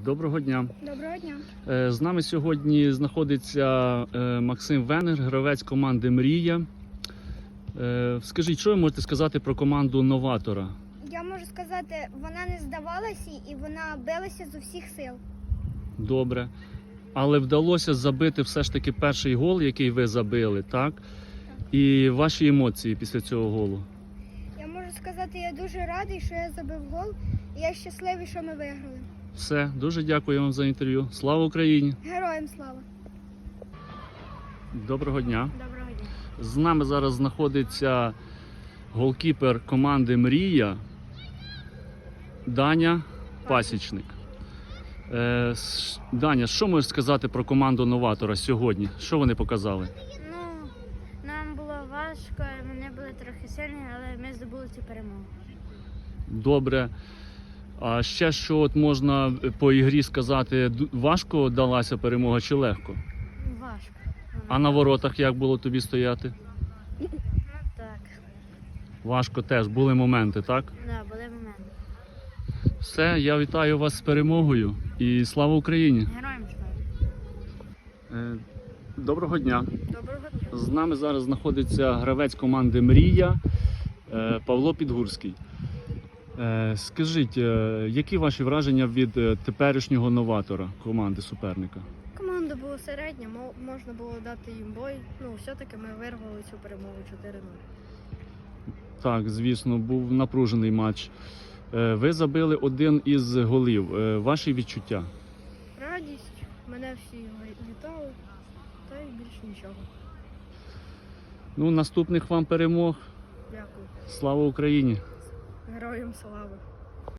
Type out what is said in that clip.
Доброго дня. Доброго дня. З нами сьогодні знаходиться Максим Венгер, гравець команди «Мрія». Скажіть, що ви можете сказати про команду «Новатора»? Я можу сказати, вона не здавалася і вона билася з усіх сил. Добре. Але вдалося забити все ж таки перший гол, який ви забили, так? І ваші емоції після цього голу? Я можу сказати, я дуже радий, що я забив гол, і я щасливий, що ми виграли. Все, дуже дякую вам за інтерв'ю. Слава Україні! Героям слава! Доброго дня. Доброго дня. З нами зараз знаходиться голкіпер команди «Мрія» Даня Пасічник. Даня, що можеш сказати про команду «Новатора» сьогодні? Що вони показали? Ну, нам було важко, вони були трохи сильні, але ми здобули цю перемогу. Добре. А ще що от можна по ігрі сказати, важко далася перемога чи легко? Важко. А на воротах як було тобі стояти? Ну так, Важко теж, були моменти, так? да, були моменти. Все, я вітаю вас з перемогою і слава Україні! Героям слава. Доброго дня! Доброго дня. З нами зараз знаходиться гравець команди «Мрія» Павло Підгурський. Скажіть, які ваші враження від теперішнього «Новатора» команди суперника? Команда була середня, можна було дати їм бой. Ну, все-таки ми вирвали цю перемогу 4-0. Так, звісно, був напружений матч. Ви забили один із голів. Ваші відчуття? Радість, мене всі вітали, та й більше нічого. Ну, наступних вам перемог. Дякую. Слава Україні! Героям слава!